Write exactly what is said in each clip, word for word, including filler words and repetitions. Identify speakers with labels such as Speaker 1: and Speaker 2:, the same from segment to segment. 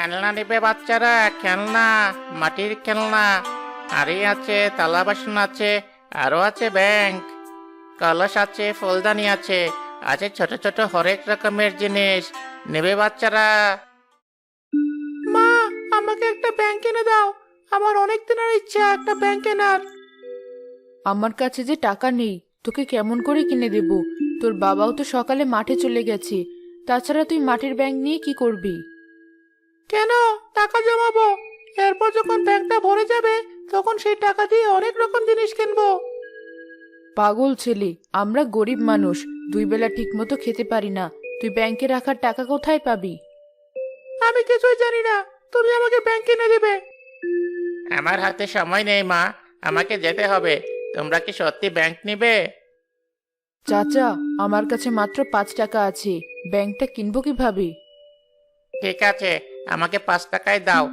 Speaker 1: খেলনা নেবে বাচ্চারা, খেলনা, মাটির খেলনা। হাড়ি আছে, থালা বাসন আছে, আরো আছে ব্যাংক, কলস আছে, ফুলদানি আছে, আছে ছোট ছোট হরেক রকমের জিনিস। নেবে বাচ্চারা? মা, আমাকে একটা ব্যাংক কিনে দাও। আমার অনেক দিনের ইচ্ছা একটা ব্যাংক কেনার।
Speaker 2: আমার কাছে যে টাকা নেই, তোকে কেমন করে কিনে দেব? তোর বাবাও তো সকালে মাঠে চলে গেছে। তাছাড়া তুই মাটির ব্যাংক নিয়ে কি করবি?
Speaker 1: কেন, টাকা জমাবো। এরপর যখন ব্যাংকটা ভরে যাবে তখন সেই টাকা দিয়ে অনেক রকম জিনিস কিনবো।
Speaker 2: পাগল ছেলে, আমরা গরিব মানুষ, দুই বেলা ঠিক মতো খেতে পারি না। তুই ব্যাংকে রাখার টাকা কোথায় পাবি?
Speaker 1: আমি কিছুই জানি না, তুমি আমাকে ব্যাংক কিনে দিবে। আমার হাতে সময় নেই মা, আমাকে যেতে হবে। তোমরা কি সত্যি ব্যাংক নিবে?
Speaker 2: চাচা, আমার কাছে মাত্র পাঁচ টাকা আছে, ব্যাংকটা কিনবো কিভাবে?
Speaker 1: ঠিক আছে, আমাকে পাঁচ টাকায় দাও।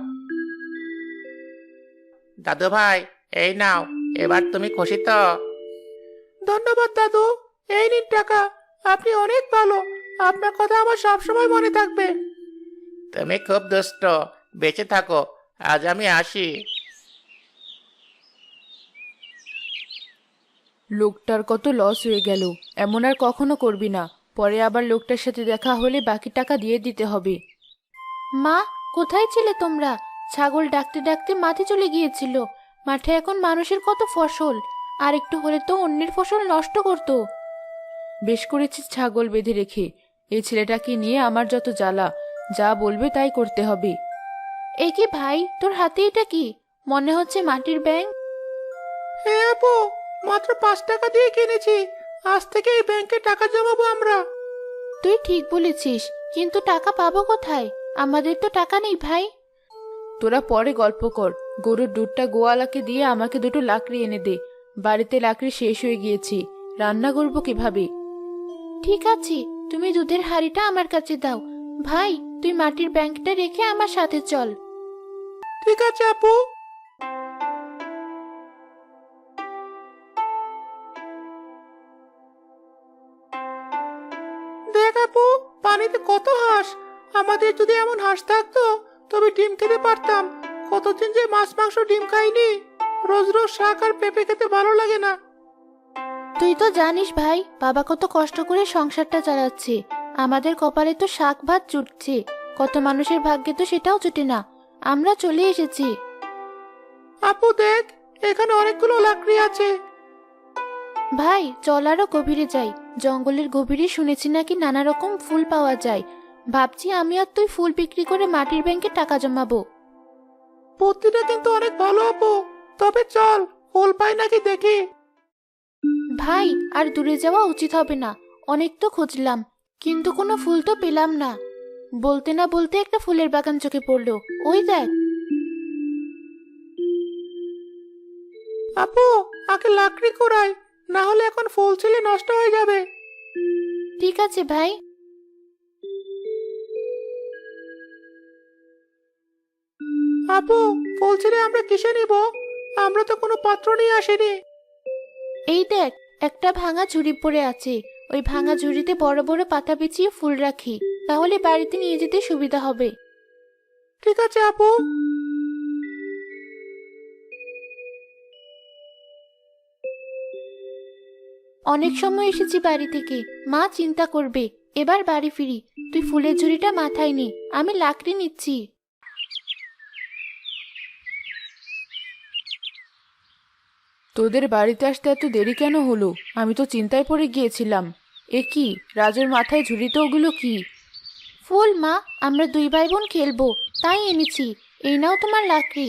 Speaker 1: দাদু ভাই, এই নাও। এবার তুমি খুশি তো? ধন্যবাদ দাদু। এই নিন টাকা। আপনি অনেক ভালো। আপনার কথা আমার সবসময় মনে থাকবে। তুমি খুব দুষ্ট। বেঁচে থাকো। আজ আমি আসি।
Speaker 2: লোকটার কত লস হয়ে গেল। এমন আর কখনো করবি না। পরে আবার লোকটার সাথে দেখা হলে বাকি টাকা দিয়ে দিতে হবে। মা, কোথায় ছিলে তোমরা? ছাগল ডাকতে ডাকতে মাঠে চলে গিয়েছিল। মাঠে এখন মানুষের কত ফসল, আর একটু হলে তো অন্যের ফসল নষ্ট করতো। বেশ করেছিস ছাগল বেঁধে রেখে। এই ছেলেটাকে নিয়ে আমার যত জ্বালা, যা বলবে তাই করতে হবে। এ কি ভাই, তোর হাতে এটা কি? মনে হচ্ছে মাটির ব্যাংক।
Speaker 1: হ্যাঁ আপু, মাত্র পাঁচ টাকা দিয়ে কিনেছি। আজ থেকে এই ব্যাংকে টাকা জমাবো আমরা।
Speaker 2: তুই ঠিক বলেছিস, কিন্তু টাকা পাবো কোথায়? আমাদের তো টাকা নেই ভাই। তোরা পরে গল্প কর। গরুর দুধটা গোয়ালাকে দিয়ে আমাকে দুটো লাকড়ি এনে দে। বাড়িতে লাকড়ি শেষ হয়ে গিয়েছে, রান্না করবো কিভাবে? ঠিক আছে, তুমি দুধের হাঁড়িটা আমার কাছে দাও। ভাই, তুই মাটির ব্যাংকটা রেখে আমার সাথে চল।
Speaker 1: ঠিক আছে আপু। দেখ আপু, পানিতে কত হাঁস। আমাদের যদি এমন হাঁস থাকতো তবে ডিম খেতে পারতাম। কতদিন যে মাছ মাংস ডিম খাইনি। রোজ রোজ শাক আর পেঁপে খেতে ভালো লাগে না।
Speaker 2: তুই তো জানিস ভাই, বাবা কত কষ্ট করে সংসারটা চালাচ্ছে। আমাদের কপালে তো শাক ভাত জুটছে, কত মানুষের ভাগ্যে তো সেটাও জুটে না। আমরা চলে এসেছি।
Speaker 1: আপু দেখ, এখানে অনেকগুলো লাকড়ি আছে।
Speaker 2: ভাই, চল আরো গভীরে যাই। জঙ্গলের গভীরে শুনেছি নাকি নানা রকম ফুল পাওয়া যায়। ভাবছি আমি আর তুই ফুল বিক্রি করে মাটির ব্যাংকে টাকা জমাবো।
Speaker 1: বুদ্ধিটা কিন্তু অনেক ভালো আপু। তবে চল, ফুল পাই নাকি দেখি।
Speaker 2: ভাই, আর দূরে যাওয়া উচিত হবে না। অনেক তো খুঁজলাম, কিন্তু কোনো ফুল তো পেলাম না। বলতে না বলতে একটা ফুলের বাগান চোখে পড়লো। ওই দেখ।
Speaker 1: আপু, আগে লাকড়ি কুড়াই, না হলে এখন ফুল ছিলে নষ্ট হয়ে যাবে।
Speaker 2: ঠিক আছে ভাই।
Speaker 1: আপু, ফুল ছিলে আমরা কিসে নিব? আমরা তো কোনো পাত্র নিয়ে আসিনি।
Speaker 2: এই দেখ, একটা ভাঙা ঝুড়ি পড়ে আছে। ওই ভাঙা ঝুড়িতে বড় বড় পাতা বিছিয়ে ফুল রাখি, তাহলে বাড়িতে নিয়ে যেতে সুবিধা হবে।
Speaker 1: ঠিক আছে আপু।
Speaker 2: অনেক সময় এসেছি বাড়ি থেকে, মা চিন্তা করবে। এবার বাড়ি ফিরি। তুই ফুলের ঝুড়িটা মাথায় নে, আমি লাকড়ি নিচ্ছি। তোদের বাড়িতে আসতে এত দেরি কেন হলো? আমি তো চিন্তায় পড়ে গিয়েছিলাম। এ কি, রাজুর মাথায় ঝুড়িতে ওগুলো কি? ফুল মা, আমরা দুই ভাই বোন খেলবো, তাই এনেছি। এই নাও তোমার লাকড়ি।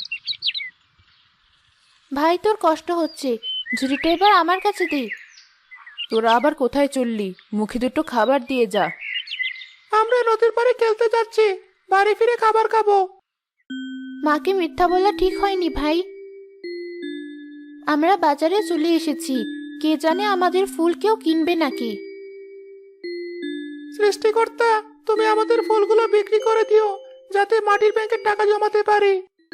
Speaker 2: ভাই, তোর কষ্ট হচ্ছে, ঝুড়িটা এবার আমার কাছে দে। তোরা আবার কোথায় চললি? মুখে দুটো খাবার দিয়ে যা।
Speaker 1: আমরা নদীর পাড়ে খেলতে যাচ্ছি, বাড়ি ফিরে খাবার খাবো।
Speaker 2: মাকে মিথ্যা বলা ঠিক হয়নি ভাই। আমরা বাজারে চলে এসেছি, কে জানে আমাদের ফুল কেউ কিনবে নাকি।
Speaker 1: সৃষ্টিকর্তা, তুমি আমাদের ফুলগুলো বিক্রি করে দিও, যাতে মাটির ব্যাংকে টাকা জমাতে পারি।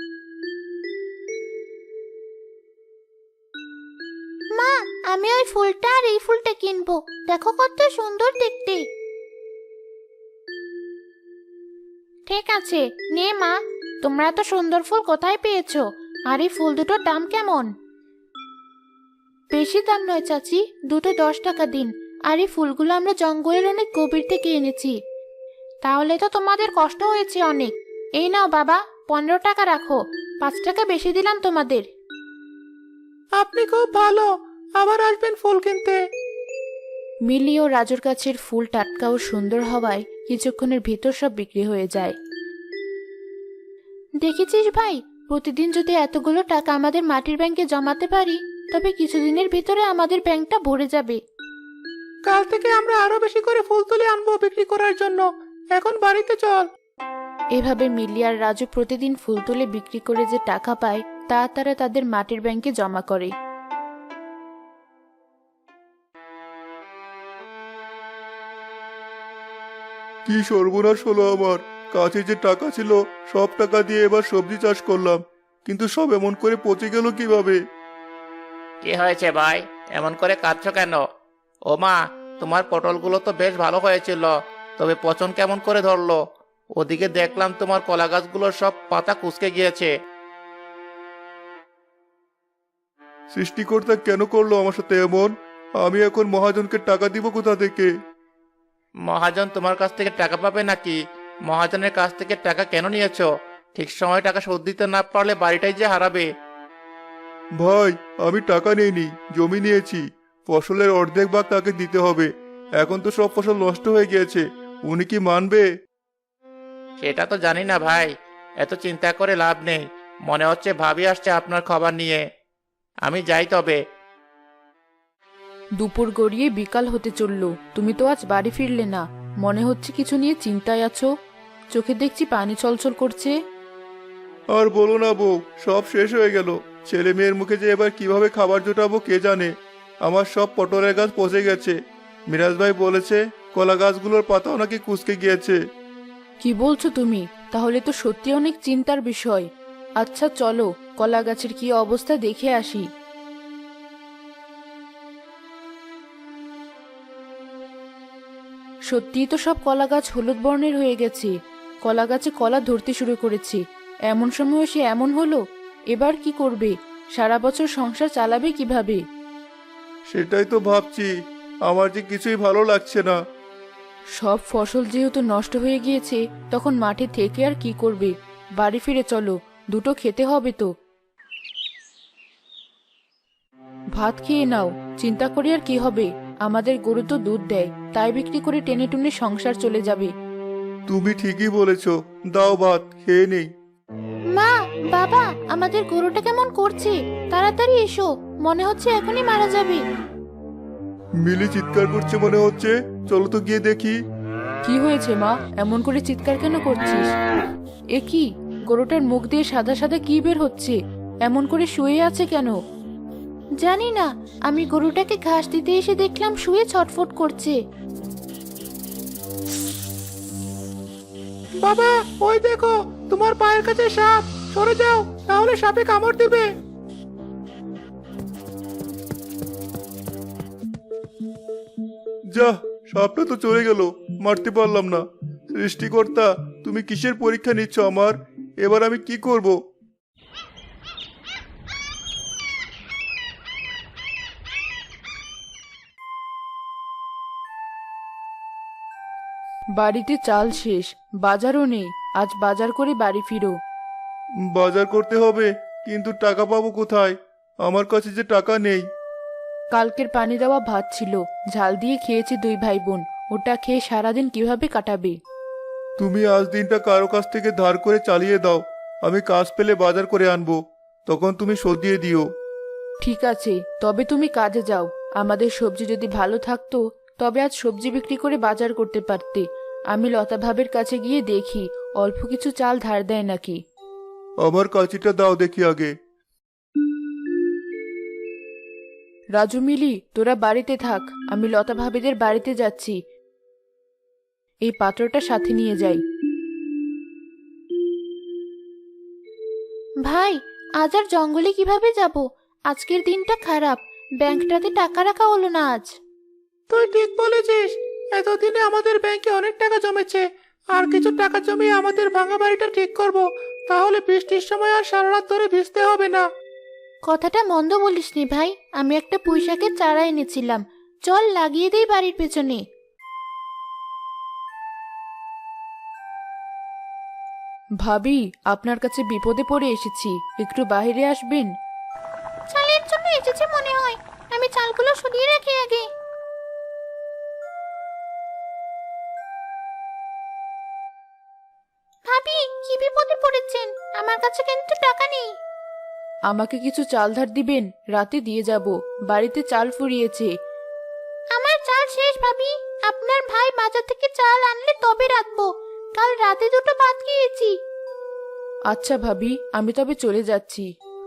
Speaker 2: মা, আমি ওই ফুলটা আর এই ফুলটা কিনবো। দেখো কত সুন্দর দেখতে। ঠিক আছে, নে মা। তোমরা এত সুন্দর ফুল কোথায় পেয়েছো? আর এই ফুল দুটোর দাম কেমন? বেশি দাম নয় চাচি, দুটো দশ টাকা দিন। আর এই ফুলগুলো আমরা জঙ্গলের অনেক গভীর থেকে এনেছি। তাহলে তো তোমাদের কষ্ট হয়েছে অনেক। এই নাও বাবা, পনেরো টাকা রাখো। পাঁচ টাকা বেশি দিলাম তোমাদের।
Speaker 1: আপনি খুব ভালো, আবার আসবেন ফুল কিনতে।
Speaker 2: মিলি ও রাজুর গাছের ফুল টাটকা ও সুন্দর হওয়ায় কিছুক্ষণের ভিতর সব বিক্রি হয়ে যায়। দেখেছিস ভাই, প্রতিদিন যদি এতগুলো টাকা আমাদের মাটির ব্যাংকে জমাতে পারি, তবে কিছুদিনের ভিতরে আমাদের ব্যাংকটা ভরে যাবে।
Speaker 1: কাল থেকে আমরা আরো বেশি করে ফুল তুলে আনবো বিক্রি করার জন্য। এখন বাড়িতে চল।
Speaker 2: এভাবে মিলি আর রাজু প্রতিদিন ফুল তুলে বিক্রি করে যে টাকা পায়, তা তারা তাদের মাটির ব্যাংকে জমা করে।
Speaker 3: কি সর্বনাশ হলো আমার! কাছে যে টাকা ছিল সব টাকা দিয়ে এবার সবজি চাষ করলাম, কিন্তু সব এমন করে পচে গেল কিভাবে?
Speaker 1: কি হয়েছে ভাই, এমন করে কাঁদছো কেন? ও মা, তোমার পটলগুলো তো বেশ ভালো হয়েছিল, তবে পচন কেমন করে ধরলো? ওদিকে দেখলাম তোমার কলা গাছগুলোর সব পাতা কুঁচকে গিয়েছে।
Speaker 3: সৃষ্টিকর্তা কেন করলো আমার সাথে এমন? আমি এখন মহাজনকে টাকা দিব কোথা থেকে?
Speaker 1: মহাজন তোমার কাছ থেকে টাকা পাবে নাকি? মহাজনের কাছ থেকে টাকা কেন নিয়েছো? ঠিক সময় টাকা শোধ দিতে না পারলে বাড়িটাই যে হারাবে।
Speaker 3: ভাই, আমি টাকা নেইনি, জমি নিয়েছি। ফসলের অর্ধেক ভাগ তাকে দিতে হবে। এখন তো সব ফসল নষ্ট হয়ে গিয়েছে, উনি কি মানবে?
Speaker 1: সেটা তো জানি না ভাই, এত চিন্তা করে লাভ নেই। মনে হচ্ছে ভাবি আসছে আপনার খবর নিয়ে। আমি যাই তবে।
Speaker 2: দুপুর গড়িয়ে বিকাল হতে চলল, তুমি তো আজ বাড়ি ফিরলে না। মনে হচ্ছে কিছু নিয়ে চিন্তায় আছো। চোখে দেখছি পানি ছলছল করছে।
Speaker 3: আর বলো না বউ, সব শেষ হয়ে গেল। ছেলে মেয়ের মুখে যে এবার কিভাবে খাবার জোটাবো কে জানে। আমার সব পটলের গাছ পচে গেছে। মিরাজ ভাই বলেছে কলা গাছগুলোর পাতাও নাকি কুঁচকে গিয়েছে।
Speaker 2: কি বলছো তুমি? তাহলে তো সত্যি অনেক চিন্তার বিষয়। আচ্ছা চলো, কলা গাছের কি অবস্থা দেখে আসি। সত্যিই তো সব কলা গাছ হলুদ বর্ণের হয়ে গেছে। কলা গাছে কলা ধরতে শুরু করেছে। এমন সময় সে এমন হলো। এবার কি করবে? সারা বছর সংসার চালাবে কিভাবে?
Speaker 3: সেটাই তো ভাবছি, আমার যে কিছুই ভালো লাগছে না।
Speaker 2: সব ফসল যেহেতু নষ্ট হয়ে গিয়েছে, তখন মাঠে থেকে আর কি করবে? বাড়ি ফিরে চলো, দুটো খেতে হবে তো। ভাত খেয়ে নাও, চিন্তা করে আর কি হবে? আমাদের গরু তো দুধ দেয়, তাই বিক্রি করে টেনে টুনে সংসার চলে যাবে।
Speaker 3: তুমি ঠিকই বলেছ, দাও ভাত খেয়ে নেই।
Speaker 2: মা, বাবা, আমাদের গরুটা কেমন করছে? তাড়াতাড়ি এসো, মনে হচ্ছে এখনই মারা যাবে।
Speaker 3: মিলি চিৎকার করছে মনে হচ্ছে, চলো তো গিয়ে দেখি।
Speaker 2: কি হয়েছে মা, এমন করে চিৎকার কেন করছিস? এ কি, গরুটার মুখ দিয়ে সাদা সাদা কি বের হচ্ছে? এমন করে শুয়ে আছে কেন? জানি না, আমি গরুটাকে ঘাস দিতে এসে দেখলাম শুয়ে ছটফট করছে।
Speaker 1: বাবা, ওই দেখো, তোমার পায়ের কাছে সাপ। সরে যাও, তাহলে সাপে কামড় দিবে।
Speaker 3: যা, সাপটা তো চলে গেল, মারতে পারলাম না। সৃষ্টিকর্তা, তুমি কিসের পরীক্ষা নিচ্ছ আমার? এবার আমি কি করব?
Speaker 2: বাড়িতে চাল শেষ, বাজারও নেই। আজ বাজার করে বাড়ি ফিরো।
Speaker 3: বাজার করতে হবে, কিন্তু টাকা পাবো কোথায়? আমার কাছে যে টাকা নেই।
Speaker 2: কালকের পানি দেওয়া ভাত ছিল, ঝাল দিয়ে খেয়েছে দুই ভাই বোন। ওটা খেয়ে সারাদিন কিভাবে কাটাবে?
Speaker 3: তুমি আজ দিনটা কারো কাছ থেকে ধার করে চালিয়ে দাও। আমি কাজ পেলে বাজার করে আনবো, তখন তুমি শোধ দিয়ে দিও।
Speaker 2: ঠিক আছে, তবে তুমি কাজে যাও। আমাদের সবজি যদি ভালো থাকতো, তবে আজ সবজি বিক্রি করে বাজার করতে পারতে। আমি লতা ভাবের কাছে গিয়ে দেখি অল্প কিছু চাল ধার দেয় নাকি।
Speaker 3: আমার কাঁচিটা দাও দেখি আগে।
Speaker 2: রাজু, মিলি, তোরা বাড়িতে থাক, আমি লতা ভাবিদের বাড়িতে যাচ্ছি। এই পাত্রটা সাথে নিয়ে যাই। ভাই, আজ আর জঙ্গলে কিভাবে যাব? আজকের দিনটা খারাপ, ব্যাংকটাতে টাকা রাখা হলো না আজ।
Speaker 1: তুই ঠিক বলেছিস, এতদিনে আমাদের ব্যাংকে অনেক টাকা জমেছে।
Speaker 3: আর কিছু টাকা জমিয়ে আমাদের ভাঙা বাড়িটা ঠিক করব, তাহলে বৃষ্টির সময় আর সারা রাত ধরে ভিজতে হবে না।
Speaker 2: কথাটা মন্দ বলিসনি ভাই, আমি একটা পুঁইশাকের চারা এনেছিলাম, চল লাগিয়ে দেই বাড়ির পেছনে। ভাবি, আপনার কাছে বিপদে পড়ে এসেছি, একটু বাইরে আসবেন? চালের জন্য এসেছে মনে হয়, আমি চালগুলো সরিয়ে রাখি আগে। ভাবি, কি বিপদে পড়েছেন? আমার কাছে কিন্তু টাকা নেই। আমাকে কিছু চাল ধার দিবেন, রাতে দিয়ে যাব, বাড়িতে চাল ফুরিয়েছে। আমার চাল শেষ ভাবি, আপনার ভাই বাজার থেকে চাল আনলে তবে রাখবো, কাল রাতে দুটো ভাত খেয়েছি। আচ্ছা ভাবি, আমি তবে চলে যাচ্ছি।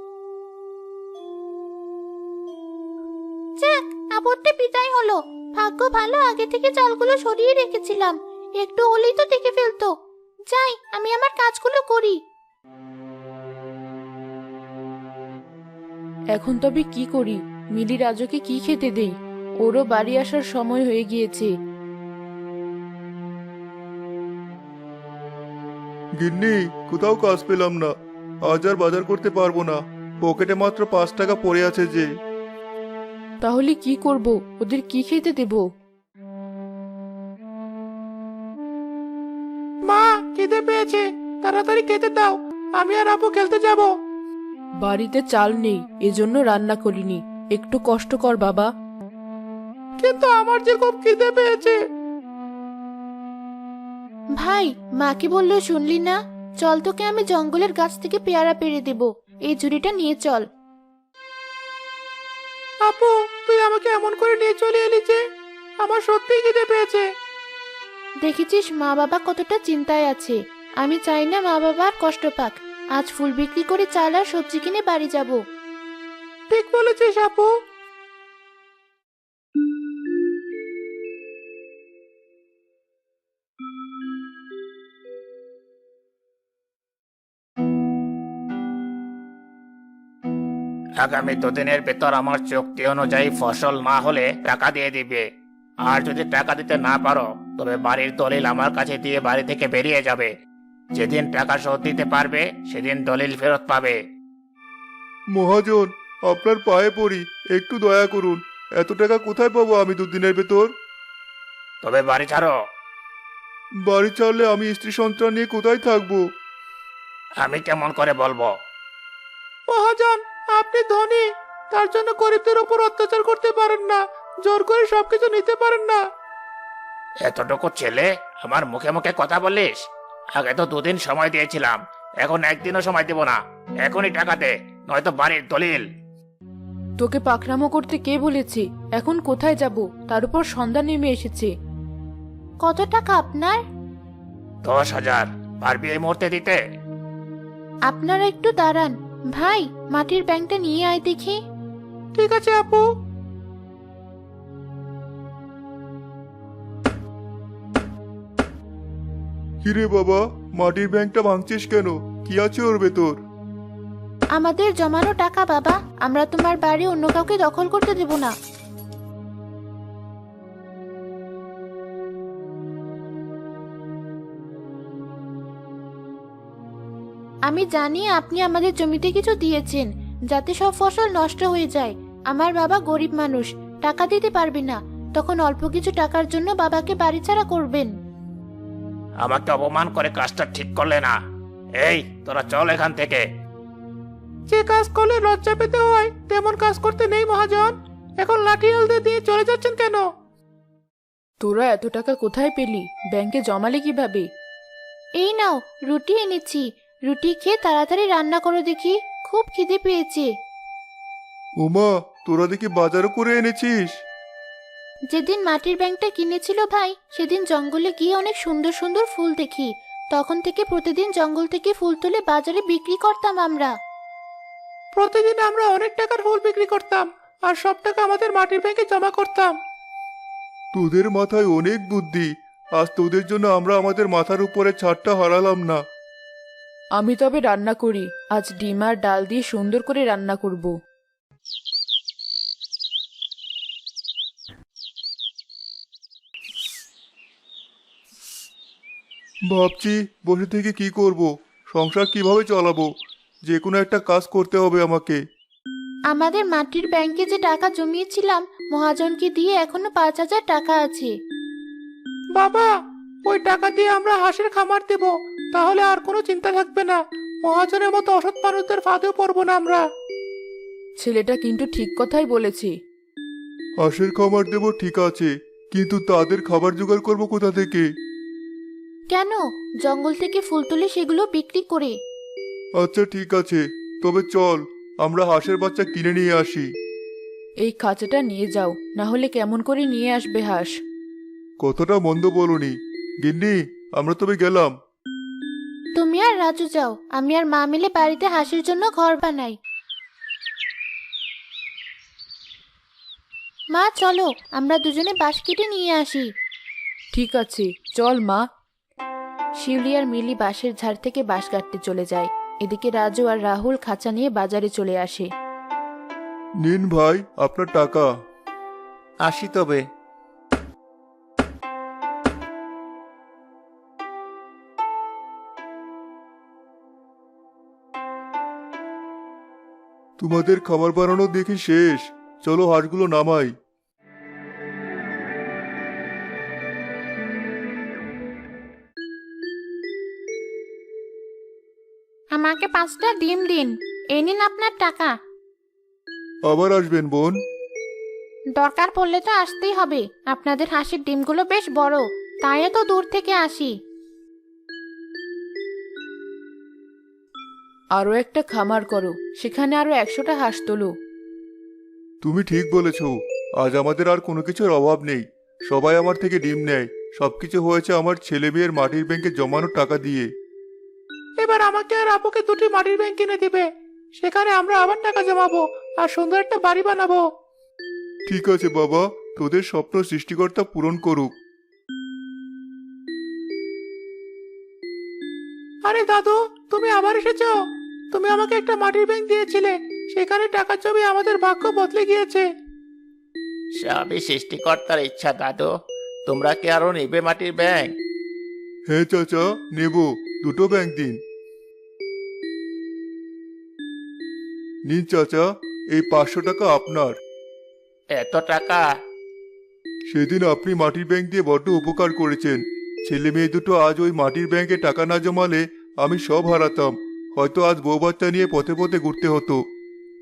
Speaker 2: যাক, আপদটা বিদায় হলো। ভাগ্য ভালো, আগে থেকে চালগুলো সরিয়ে রেখেছিলাম, একটু হলেই তো দেখে ফেলতো। যাই, আমি আমার কাজগুলো করি। এখন তবে কি করি? মিলি রাজুকে কি খেতে দেই? ওরও বাড়ি আসার সময় হয়ে গিয়েছে।
Speaker 3: গিন্নি, কোথাও কাজ পেলাম না, আজ আর বাজার করতে পারবো না, পকেটে মাত্র পাঁচ টাকা পড়ে আছে যে।
Speaker 2: তাহলে কি করব? ওদের কি খেতে দেব?
Speaker 1: মা, খিদে পেয়েছে, তাড়াতাড়ি খেতে দাও, আমি আর আপু খেলতে যাব।
Speaker 2: বাড়িতে চাল নেই, এজন্য রান্না করিনি, একটু কষ্ট কর বাবা।
Speaker 1: কিন্তু আমার যে খুব খিদে পেয়েছে।
Speaker 2: ভাই, মা কি বললো শুনলি না? চল, তোকে আমি জঙ্গলের গাছ থেকে পেয়ারা পেড়ে দেব, এই ঝুড়িটা নিয়ে চল।
Speaker 1: আপু, তুই আমাকে এমন করে নিয়ে চলে এলি যে, আমার সত্যিই খিদে পেয়েছে।
Speaker 2: দেখেছিস মা বাবা কতটা চিন্তায় আছে, আমি চাই না মা বাবা আর কষ্ট পাক। আজ ফুল বিক্রি করে চাল আর সবজি কিনে বাড়ি যাব।
Speaker 1: ঠিক বলেছিস আপু। আগামী দুদিনের ভেতর আমার চুক্তি অনুযায়ী ফসল না হলে টাকা দিয়ে দিবে। আর যদি টাকা দিতে না পারো, তবে বাড়ির দলিল আমার কাছে দিয়ে বাড়ি থেকে বেরিয়ে যাবে। যেদিন টাকা শোধ দিতে পারবে, সেদিন দলিল ফেরত পাবে।
Speaker 3: মহাজন, আপনার পায়ে পড়ি, একটু দয়া করুন, এত টাকা কোথায় পাবো আমি দুদিনের ভেতর?
Speaker 1: তবে বাড়ি ছাড়ো।
Speaker 3: বাড়ি ছাড়লে আমি স্ত্রী সন্তান নিয়ে কোথায় থাকবো?
Speaker 1: আমি কেমন করে বলবো? মহাজন, আপনি ধনী, তার জন্য গরিবদের উপর অত্যাচার করতে পারেন না, জোর করে সবকিছু নিতে পারেন না। এতটুকু ছেলে আমার মুখে মুখে কথা বলিস? আগে তো দুদিন সময় দিয়েছিলাম, এখন একদিনও সময় দেব না। এখনই টাকা দে, নয়তো বাড়ির দলিল।
Speaker 2: তোকে পাকড়ামো করতে কে বলেছে? এখন কোথায় যাব? তার উপর সন্ধ্যা নেমে এসেছে। কত টাকা আপনার?
Speaker 1: দশ হাজার। পারবি এই মুহূর্তে দিতে?
Speaker 2: আপনারা একটু দাঁড়ান ভাই, মাটির ব্যাংকটা নিয়ে আয় দেখি।
Speaker 1: ঠিক আছে আপু।
Speaker 3: কিরে বাবা, মাটির ব্যাংকটা ভাঙছিস কেন? কি আছে ওর ভেতর?
Speaker 2: আমাদের জমানো টাকা বাবা, আমরা তোমার বাড়ি অন্য কাউকে দখল করতে দেব না। আমি জানি আপনি আমাদের জমিতে কিছু দিয়েছেন, যাতে সব ফসল নষ্ট হয়ে যায়। আমার বাবা গরিব মানুষ, টাকা দিতে পারবে না, তখন অল্প কিছু টাকার জন্য বাবাকে বাড়ি ছাড়া করবেন।
Speaker 1: আমাকে অপমান করে কাজটা ঠিক করলে না। এই, তোরা চল এখান থেকে। যে কাজ করলে লজ্জা পেতে হয়, তেমন কাজ করতে নেই মহাজন। এখন লাঠি হালদে দিয়ে চলে যাচ্ছেন কেন?
Speaker 2: তোরা এত টাকা কোথায় পেলি? ব্যাংকে জমালে কিভাবে? এই নাও, রুটি এনেছি, রুটি খেয়ে তাড়াতাড়ি রান্না করো দেখি, খুব খিদে পেয়েছে।
Speaker 3: ওমা, তোরা দেখি বাজারও করে এনেছিস।
Speaker 2: যেদিন মাটির ব্যাংকটা কিনেছিল ভাই, সেদিন জঙ্গলে গিয়ে অনেক সুন্দর সুন্দর ফুল দেখি, তখন থেকে প্রতিদিন জঙ্গল থেকে ফুল তুলে বাজারে বিক্রি করতাম আমরা।
Speaker 1: প্রতিদিন আমরা অনেক টাকার ফুল বিক্রি করতাম, আর সব টাকা আমাদের মাটির ব্যাংকে জমা করতাম।
Speaker 3: তোদের মাথায় অনেক বুদ্ধি, আজ তোদের জন্য আমরা আমাদের মাথার উপরে ছাদটা হারালাম না।
Speaker 2: আমি তবে রান্না করি, আজ ডিম আর ডাল দিয়ে সুন্দর করে রান্না করব।
Speaker 3: ভাবছি বসে থেকে কি করব, সংসার কিভাবে চালাবো। যে কোনো একটা কাজ করতে হবে আমাকে।
Speaker 2: আমাদের মাটির ব্যাংকে যে টাকা জমিয়েছিলাম মহাজনকে দিয়ে এখনো পাঁচ হাজার টাকা আছে।
Speaker 1: বাবা, ওই টাকা দিয়ে আমরা হাঁসের খামার দেব, তাহলে আর কোনো চিন্তা থাকবে না। মহাজনের মতো অসৎ মানুষদের ফাঁদেও পড়বো না আমরা।
Speaker 2: ছেলেটা কিন্তু ঠিক কথাই বলেছে।
Speaker 3: হাঁসের খামার দেব ঠিক আছে, কিন্তু তাদের খাবার জোগাড় করব কোথা থেকে?
Speaker 2: কেন, জঙ্গল থেকে ফুল তুলে সেগুলো বিক্রি করে।
Speaker 3: আচ্ছা ঠিক আছে, তবে চল আমরা হাঁসের বাচ্চা কিনে নিয়ে আসি।
Speaker 2: এই খাঁচাটা নিয়ে যাও, না হলে কেমন করে নিয়ে আসবে হাঁস।
Speaker 3: কতটা মন্দ বলনি গিন্নি, আমরা তবে গেলাম।
Speaker 2: তুমি আর রাজু যাও, আমি আর মা মিলে বাড়িতে হাঁসের জন্য ঘর বানাই। মা চলো, আমরা দুজনে বাঁশ কেটে নিয়ে আসি। ঠিক আছে, চল মা। শিউলি আর মিলি বাঁশের ঝাড় থেকে বাঁশ কাটতে চলে যায়। এদিকে রাজু আর রাহুল খাঁচা নিয়ে বাজারে চলে আসে।
Speaker 3: নিন ভাই আপনার টাকা।
Speaker 1: আসি তবে।
Speaker 3: তোমাদের খাবার বানানো দেখি শেষ, চলো হাঁসগুলো নামাই।
Speaker 2: আমাকে পাঁচটা ডিম দিন, এই নিন আপনার টাকা।
Speaker 3: আবার আসবেন বোন?
Speaker 2: দরকার পড়লে তো আসতেই হবে, আপনাদের হাঁসের ডিমগুলো বেশ বড়, তাই তো দূর থেকে আসি। আরো একটা খামার করো, সেখানে আরো একশোটা হাঁস তোলো।
Speaker 3: তুমি ঠিক বলেছ, আজ আমাদের আর কোনো কিছুর অভাব নেই। সবাই আমার থেকে ডিম নেয়, সবকিছু হয়েছে আমার ছেলে মেয়ের মাটির ব্যাংকে জমানো টাকা দিয়ে।
Speaker 1: এবার আমাকে আর আপুকে দুটি মাটির ব্যাংক কিনে দিবে, সেখানে আমরা আবার টাকা জমাবো আর সুন্দর একটা বাড়ি বানাবো।
Speaker 3: ঠিক আছে বাবা, তোদের স্বপ্ন সৃষ্টিকর্তা পূরণ করুক।
Speaker 1: আরে দাদু, তুমি আবার এসেছো। তুমি আমাকে একটা মাটির ব্যাংক দিয়েছিলে, সেখানে টাকা জমি আমাদের ভাগ্য বদলে গিয়েছে। সবই সৃষ্টিকর্তার ইচ্ছা দাদু। তোমরা কি আরো নেবে মাটির ব্যাংক?
Speaker 3: হ্যাঁ চাচা, নেব, দুটো ব্যাংক দিন। নিন চাচা, এই পাঁচশো টাকা আপনার।
Speaker 1: এত টাকা?
Speaker 3: সেদিন আপনি মাটির ব্যাংক দিয়ে বড্ড উপকার করেছেন। ছেলে মেয়ে দুটো আজ ওই মাটির ব্যাংকে টাকা না জমালে আমি সব হারাতাম। হয়তো আজ বউ বাচ্চা নিয়ে পথে পথে ঘুরতে হতো।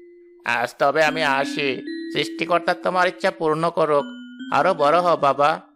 Speaker 1: আজ তবে আমি আসি। সৃষ্টিকর্তা তোমার ইচ্ছা পূর্ণ করুক। আরো বড় হও বাবা।